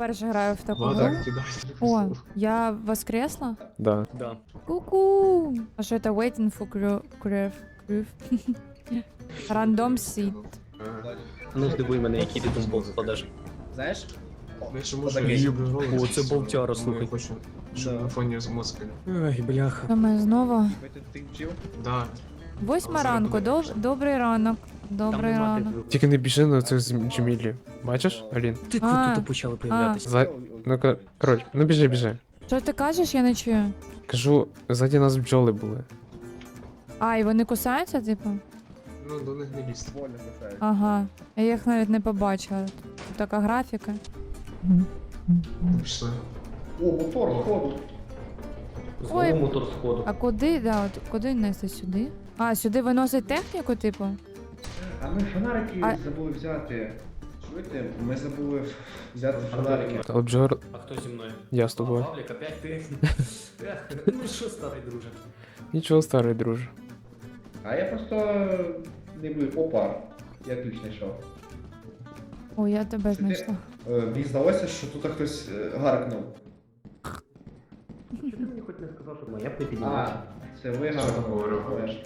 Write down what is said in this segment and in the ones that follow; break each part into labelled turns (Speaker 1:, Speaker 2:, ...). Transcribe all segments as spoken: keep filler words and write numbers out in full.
Speaker 1: вперше граю в таку
Speaker 2: Вот
Speaker 1: гру.
Speaker 2: так, кидай.
Speaker 1: О, я воскресла?
Speaker 3: Да.
Speaker 4: Да.
Speaker 1: Ку-ку! А що це waiting for crew? crew? crew? Random seed.
Speaker 4: Ну здивуй мене, який ти там болт складеш.
Speaker 5: Знаєш?
Speaker 2: Я ще можу
Speaker 5: Отакий.
Speaker 2: її обригувати.
Speaker 4: О, це болтяра,
Speaker 2: Ну,
Speaker 4: слухай.
Speaker 2: Я хочу, щоб
Speaker 5: Да.
Speaker 2: на фоні з мозки.
Speaker 4: Ой, бляха.
Speaker 1: Що ми знову?
Speaker 5: Ви тут ти вчив?
Speaker 2: Да.
Speaker 1: Восьма
Speaker 2: Але
Speaker 1: ранку.
Speaker 2: зараз
Speaker 1: Доб...
Speaker 2: подивимося.
Speaker 1: Добрий ранок. Добрий
Speaker 4: Там нема
Speaker 1: ранок.
Speaker 4: типу.
Speaker 3: Тільки не біжи на цих Джемілі. Бачиш, Алін?
Speaker 4: Ти
Speaker 1: А,
Speaker 4: тут тут почали появлятися.
Speaker 3: За... Ну, ка- коротше, ну біжи, біжи.
Speaker 1: Що ти кажеш, я не чую.
Speaker 3: Кажу, ззаді нас бджоли були.
Speaker 1: А, і вони кусаються, типу?
Speaker 2: Ну, до них не лізти.
Speaker 5: Вольно кусають.
Speaker 1: Ага. Я їх навіть не побачила. Тут така графіка.
Speaker 2: Пішли.
Speaker 5: О, мотор, ходу.
Speaker 1: Ой.
Speaker 4: Знову мотор сходу.
Speaker 1: А куди, да, от куди нести сюди? А, сюди виносить техніку, типу?
Speaker 5: А ми фонарики
Speaker 1: А-
Speaker 5: забули взяти. Чуєте? Ми забули взяти фонарики.
Speaker 3: Але бджор,
Speaker 4: А хто зі мною?
Speaker 3: я з тобою.
Speaker 4: А, Павлік, опять ти? Ех, ну що, старий друже?
Speaker 3: Нічого, старий друже.
Speaker 5: А я просто не був. Опа. Я ключ знайшов.
Speaker 1: О, я тебе
Speaker 5: Це ти?
Speaker 1: знайшла.
Speaker 5: Е, Мені здалося, що тут хтось е, гаркнув.
Speaker 4: Чи ти мені хоч не сказав, що моя
Speaker 5: А,
Speaker 4: підіймається?
Speaker 5: це ви
Speaker 2: Що
Speaker 5: гаркнули.
Speaker 2: говорив?
Speaker 5: Знаєш.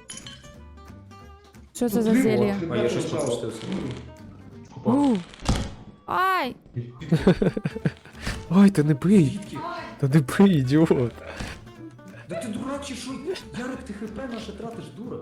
Speaker 1: Що це
Speaker 5: Тут
Speaker 1: за
Speaker 5: диво,
Speaker 1: зелье?
Speaker 5: ти
Speaker 4: А я
Speaker 5: бачиш,
Speaker 4: щось
Speaker 5: що?
Speaker 4: пропустився.
Speaker 2: Опа.
Speaker 1: У. Ай!
Speaker 3: Ой, та не бий! Та не бий, ідіот!
Speaker 4: Да ти дурак чи що? Ярик, ти хп наше тратиш, дура.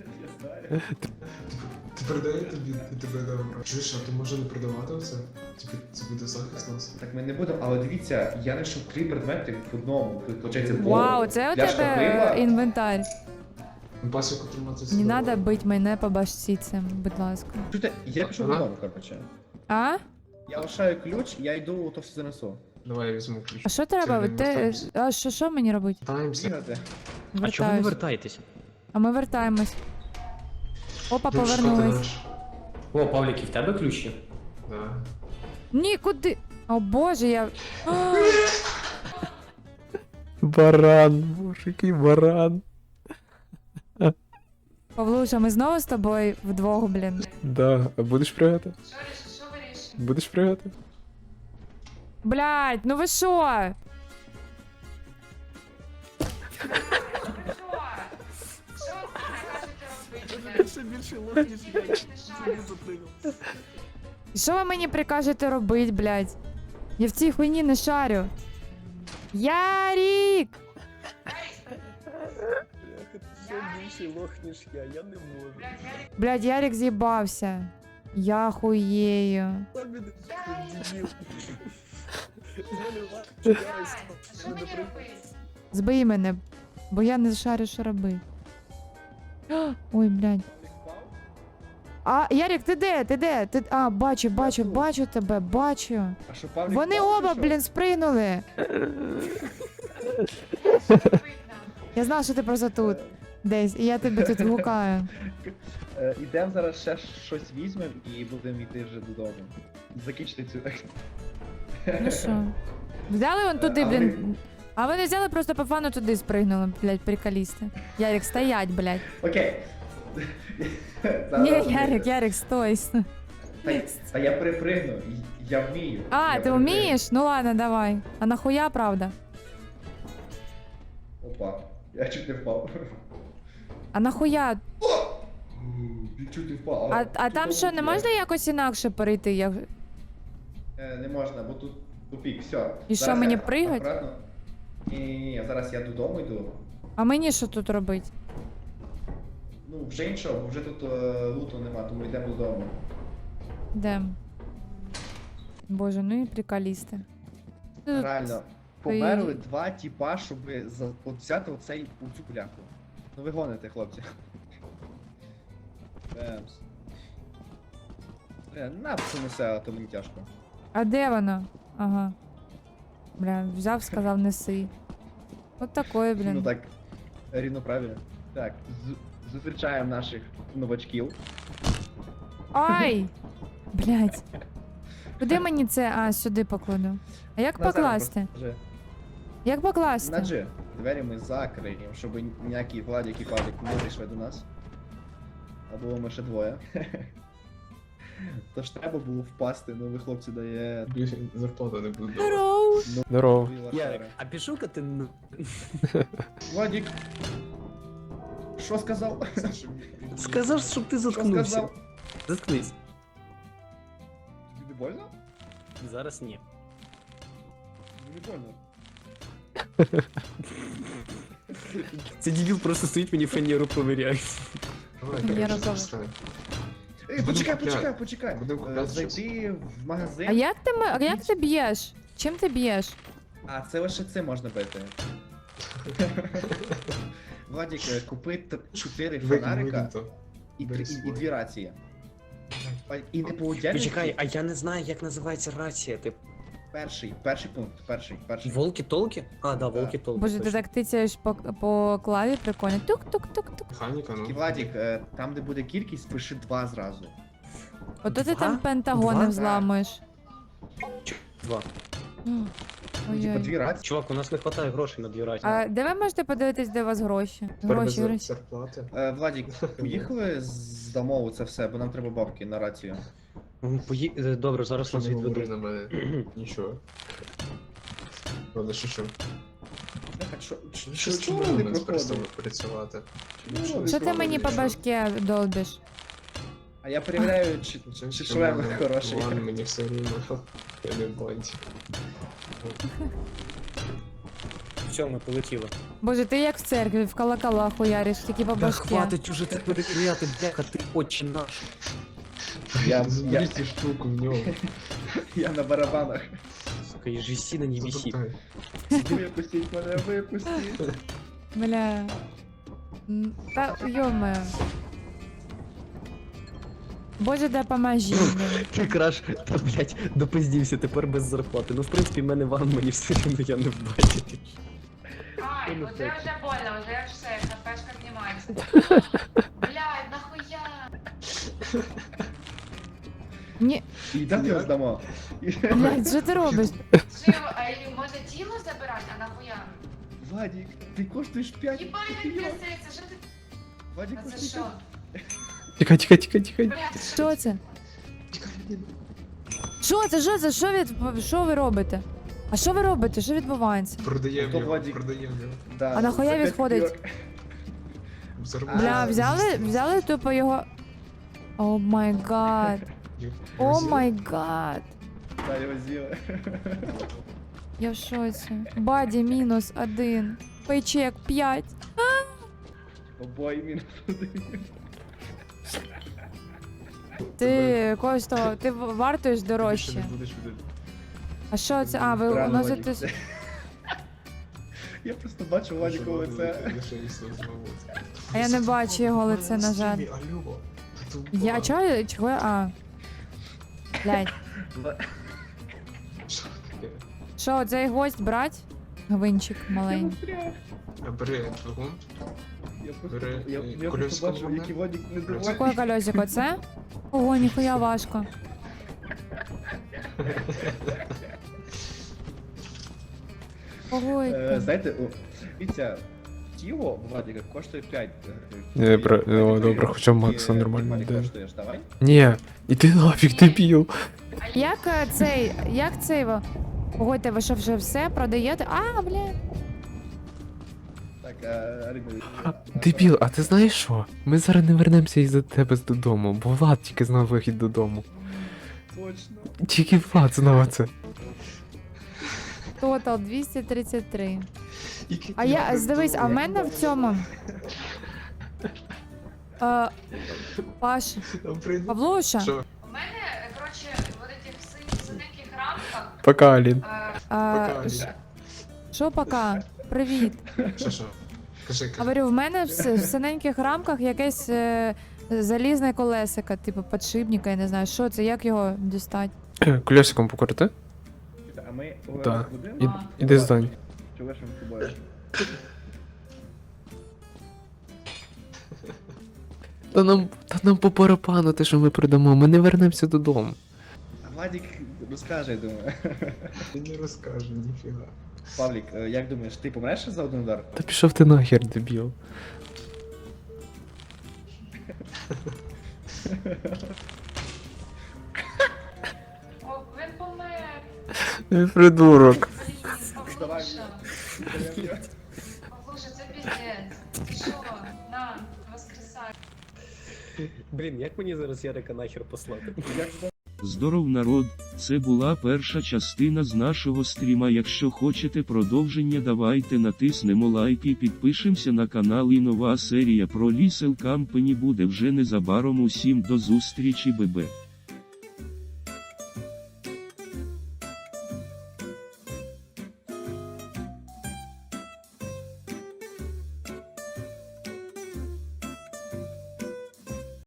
Speaker 2: Ти передай тобі, ти тебе дав. Чуєш, а ти може не продавати оце? Типу, це буде захист нас.
Speaker 5: Так ми не будемо, але дивіться, я знайшов три предмети в одному. Тут, Получається,
Speaker 1: Вау, це у
Speaker 5: пляшка
Speaker 1: тебе
Speaker 5: пива.
Speaker 1: інвентар.
Speaker 2: Ну, пасіку тримати
Speaker 1: Не треба бити мене по башці цим, будь ласка.
Speaker 5: Чуєте, я пішов
Speaker 2: Ага.
Speaker 5: додому, коротше.
Speaker 1: А?
Speaker 5: Я лишаю ключ, я йду, то все занесу.
Speaker 2: Давай я візьму ключ.
Speaker 1: А що треба?
Speaker 2: Це
Speaker 1: Ти...
Speaker 2: вертаємося.
Speaker 1: А що, що мені робити?
Speaker 2: Вертаємося.
Speaker 5: Бігати.
Speaker 4: А чого ви не
Speaker 1: Вертаюсь.
Speaker 4: вертаєтеся?
Speaker 1: А ми вертаємось. Опа,
Speaker 2: Ключ шукати
Speaker 1: повернулись.
Speaker 2: наш.
Speaker 4: О, Павлік, і в тебе ключ є?
Speaker 2: Да.
Speaker 1: Ні, куди? О боже, я. А,
Speaker 3: Баран, боже, який баран.
Speaker 1: Павлуша, ми знову з тобою вдвох, блін.
Speaker 3: Да, а будеш пригати? Будеш пригати?
Speaker 1: Блядь, ну ви що? І що ви мені прикажете робити, блядь? Я в цій хуйні не шарю. Ярік!
Speaker 4: Ти більший лох, ніж я, я не можу.
Speaker 1: Блядь, Ярік з'їбався. Я хуєю. Збий мене, бо я не шарю, що робити. Ой, блядь. А, Ярік, ти де? Ти де? Ти... А, бачу, бачу,
Speaker 5: тут.
Speaker 1: бачу тебе, бачу.
Speaker 5: А що, Павлік?
Speaker 1: Вони
Speaker 5: впав,
Speaker 1: оба,
Speaker 5: чи що?
Speaker 1: блін, спригнули. Я знала, що ти просто тут. Десь, і я тебе тут гукаю.
Speaker 5: Е, Ідемо зараз ще щось візьмемо і будемо йти вже додому. Закінчити цю.
Speaker 1: Ну що? Взяли вон туди,
Speaker 5: А
Speaker 1: блін.
Speaker 5: ви-
Speaker 1: А вони взяли просто по фану туди спригнули, блядь, приколісти. Ярік, стоять, блядь.
Speaker 5: Окей.
Speaker 1: Ні,
Speaker 5: Зараз-
Speaker 1: Ярик, Ярик, стой.
Speaker 5: Та, та я перепригну, я вмію.
Speaker 1: А,
Speaker 5: Я
Speaker 1: ти
Speaker 5: перепригну.
Speaker 1: вмієш? Ну ладно, давай. А нахуя, правда?
Speaker 5: Опа, я чуть не впав.
Speaker 1: А нахуя?
Speaker 5: Я чуть не впав.
Speaker 1: А, а там що, не можна якось інакше перейти? Я...
Speaker 5: Е, Не можна, бо тут тупік, все.
Speaker 1: І що, мені пригать?
Speaker 5: Ні, ні, ні, зараз я додому йду.
Speaker 1: А мені що тут робити?
Speaker 5: Ну, вже іншого, бо вже тут е, луту нема, тому йдемо додому.
Speaker 1: Де? Боже, ну і приколісти. Тут-
Speaker 5: Реально, померли два тіпа, щоб за, от взяти оцей, оцю бляху. Ну ви гоните, хлопці. Бемс. Бля, на це несе, а то мені тяжко.
Speaker 1: А де воно? Ага. Бля, взяв, сказав, неси. От такое,
Speaker 5: Ну
Speaker 1: блін.
Speaker 5: так, рівно правильно. Так, з- зустрічаємо наших новачків.
Speaker 1: Ай! Блять. Куди мені це? А, сюди покладу. А як
Speaker 5: Назар,
Speaker 1: покласти?
Speaker 5: просто вже.
Speaker 1: Як
Speaker 5: На
Speaker 1: покласти?
Speaker 5: G. Двері ми закриємо, щоб ніякі Владик і Павлік не зайшли до нас. А було ми ще двоє. То ж треба було впасти, ну ви хлопці дає.
Speaker 2: Більше зарплату не буду давати.
Speaker 1: Здорово.
Speaker 3: Здорово.
Speaker 4: Ярик, а пішов-ка ти на...
Speaker 5: Владик. Що сказав?
Speaker 2: Саша, він-
Speaker 4: Сказав, щоб ти
Speaker 5: Що
Speaker 4: заткнувся.
Speaker 5: сказав?
Speaker 4: Заткнись.
Speaker 5: Тобі не больно?
Speaker 4: Зараз ні.
Speaker 5: Тобі не больно.
Speaker 4: Це дебіл просто стоїть мені фанеру провіряє.
Speaker 2: Давай,
Speaker 1: Я
Speaker 2: коротше,
Speaker 1: розумію.
Speaker 2: запускай.
Speaker 5: Ей,
Speaker 2: Будемо
Speaker 5: почекай,
Speaker 2: купляти.
Speaker 5: почекай, почекай.
Speaker 2: Будемо
Speaker 5: Е,
Speaker 2: купляти
Speaker 5: Зайти в магазин.
Speaker 1: А як ти, ме- а як ти б'єш? Чим ти б'єш?
Speaker 5: А, це лише це можна бити. Владик, е, купи т- чотири
Speaker 2: Викинь,
Speaker 5: фонарика
Speaker 2: викинь то.
Speaker 5: і,
Speaker 2: бери
Speaker 5: три- і, і
Speaker 2: свої.
Speaker 5: дві рації. А, І не по отдельності.
Speaker 4: Почекай, а я не знаю, як називається рація. Ти
Speaker 5: Перший, перший пункт, перший, перший.
Speaker 4: волки-толки? А, да,
Speaker 5: Да.
Speaker 4: волки-толки.
Speaker 1: Боже, ти
Speaker 4: точно.
Speaker 1: так тицяєш по, по клаві прикольно. Тук-тук-тук-тук.
Speaker 2: Механіка,
Speaker 5: І
Speaker 2: ну.
Speaker 5: Владик, е, там де буде кількість, пиши два зразу.
Speaker 1: Ото ти
Speaker 4: Два?
Speaker 1: там пентагони
Speaker 4: Два?
Speaker 1: взламуєш.
Speaker 4: Два.
Speaker 1: М.
Speaker 5: Ну, типа
Speaker 1: Ой-ой.
Speaker 5: дві рації.
Speaker 4: Чувак, у нас не вистачає грошей на дві рації.
Speaker 1: А де ви можете подивитись, де у вас гроші?
Speaker 2: Тепер
Speaker 1: Гроші,
Speaker 2: без
Speaker 1: гроші.
Speaker 2: зарплати.
Speaker 5: Е, Владик, поїхали з домову це все, бо нам треба бабки на рацію.
Speaker 4: М, пої- е, Добре, зараз
Speaker 2: Що
Speaker 4: нас
Speaker 2: не говори
Speaker 4: відведу.
Speaker 2: на мене? Нічого. Ладно, що що?
Speaker 5: Бляха, що- що-
Speaker 2: Що
Speaker 5: Що чого не проходить?
Speaker 2: перестали працювати?
Speaker 5: Ну,
Speaker 2: Що
Speaker 1: Що ти мені по башке долбиш?
Speaker 5: А я перевіряю, чи,
Speaker 2: Чим
Speaker 5: чи
Speaker 2: що
Speaker 5: шлем
Speaker 2: мене-
Speaker 5: хороший.
Speaker 2: Ладно, мені все рівно. Я не бачу.
Speaker 4: Все, ми полетіли.
Speaker 1: Боже, ти як в церкві, в колокола хуяриш, тільки по
Speaker 4: Да
Speaker 1: башке.
Speaker 4: хватить уже так перевіряти, бляха, ти отче наш.
Speaker 5: Я, я,
Speaker 2: Заберіть цю штуку в нього.
Speaker 5: я на барабанах.
Speaker 4: Сука, і же сіна не висить.
Speaker 2: Затоптай.
Speaker 5: Випустіть мене, випустіть.
Speaker 1: Бля. М, Та йоме. Боже, да поможи мені.
Speaker 4: Ти краш, та блять, допиздівся, тепер без зарплати. Ну, в принципі, в мене ван, мені все рівно я не вбачу.
Speaker 6: Ай, вот это уже больно, уже все, ХПшка поднимается. Блядь, нахуя?
Speaker 1: Ні,
Speaker 5: І дати його здамо.
Speaker 1: блядь, що ти робиш?
Speaker 6: Жив, а или може тіло забирати, а нахуя?
Speaker 5: Владик, ти коштуєш п'ять.
Speaker 6: Ебать, як писається, що ти?
Speaker 5: Владик
Speaker 6: А це
Speaker 5: коштує
Speaker 6: що?
Speaker 5: п'ять.
Speaker 3: Тікай, тікай, тікай, тікай.
Speaker 6: Блядь,
Speaker 1: Що це? Що це? Що це? Що ви, що ви робите? А що ви робите? Що відбувається?
Speaker 2: Продаємо
Speaker 5: То
Speaker 2: його,
Speaker 5: Владик.
Speaker 2: продаємо його.
Speaker 5: Да,
Speaker 1: А нахуя
Speaker 5: за п'ять
Speaker 1: відходить?
Speaker 5: копійок.
Speaker 2: Заробляємо.
Speaker 1: Бля, взяли, взяли тупо його. О май гад. О май гад.
Speaker 5: Да, його з'їли.
Speaker 1: Я в шоці. Баді мінус один. Пейчек п'ять.
Speaker 5: Обоє мінус один.
Speaker 1: Ти, Косто, ти в- вартуєш
Speaker 2: Більше
Speaker 1: дорожче.
Speaker 2: не будеш від-
Speaker 1: А що це? А, ви
Speaker 5: Странно,
Speaker 1: уносите...
Speaker 5: Владик, це- Я просто бачу Владикове лице.
Speaker 2: Лише і все знову.
Speaker 1: А я не бачу його лице, на жаль.
Speaker 2: Алло. Ти
Speaker 1: Я
Speaker 2: тупа.
Speaker 1: чого? Чого? А. Блядь.
Speaker 2: Що таке?
Speaker 1: Що, цей гвоздь брать? Гвинчик маленький.
Speaker 2: А бери двигун.
Speaker 5: Я просто,
Speaker 2: Бери,
Speaker 5: я,
Speaker 2: е,
Speaker 5: я просто
Speaker 2: колесико
Speaker 5: бачу,
Speaker 2: можна?
Speaker 5: який Владик не
Speaker 2: Колесико.
Speaker 5: доволі.
Speaker 1: Який колесик оце? Ого, ніхуя важко. Ого,
Speaker 5: Е,
Speaker 1: яке.
Speaker 5: Знаєте, о, дивіться, тіло Владика коштує п'ять.
Speaker 3: Не, про- о, добре, хоча Макса нормально йде.
Speaker 5: коштуєш, давай.
Speaker 3: Ні, іди нафіг, дебіл.
Speaker 1: Як е, цей, як цей, во- Погодьте, ви що вже все продаєте? А, блядь.
Speaker 5: Так, а, Риба,
Speaker 3: А, Дебіл, а ти знаєш що? Ми зараз не вернемося із-за тебе додому, бо Влад тільки знав вихід додому.
Speaker 5: Точно.
Speaker 3: Тільки Влад знав це.
Speaker 1: Тотал двісті тридцять три.
Speaker 2: Який
Speaker 1: А
Speaker 2: ти
Speaker 1: я,
Speaker 2: добрий
Speaker 1: дивись, а в
Speaker 2: друг.
Speaker 1: мене в цьому. Е, Паш,
Speaker 2: Добрий друг.
Speaker 1: Павлуша,
Speaker 2: Що?
Speaker 6: У мене, коротше, вот этих син- синеньких рамках,
Speaker 3: Пока, Алін.
Speaker 6: е,
Speaker 1: а,
Speaker 2: Пока,
Speaker 1: ш- що пока? Привіт.
Speaker 2: Що, що? Кажи, кажи.
Speaker 1: Говорю, в мене в, с- в синеньких рамках якесь е, залізне колесико, типу подшипника, я не знаю, що це, як його дістати?
Speaker 3: Колесиком покрути?
Speaker 5: А ми
Speaker 3: Так.
Speaker 5: будемо?
Speaker 3: І, іди здань.
Speaker 5: Чи лишимо з тобою?
Speaker 3: Та нам, та нам по барабану те, що ми продамо, ми не вернемося додому.
Speaker 5: А Владик розкаже, я думаю.
Speaker 2: Ти не розкаже, ніфіга.
Speaker 5: Павлік, е, як думаєш, ти помреш за один удар?
Speaker 3: Та пішов ти нахер, дебіл. Ти придурок.
Speaker 6: Блін, Павлуша. Павлуша, це піздець. Ти що? На, воскресай.
Speaker 4: Блін, як мені зараз Ярика нахер послати?
Speaker 7: Здоров, народ, це була перша частина з нашого стріма. Якщо хочете продовження, давайте натиснемо лайк і підпишемося на канал. І нова серія про Lethal Company буде вже незабаром. Усім до зустрічі, бебе.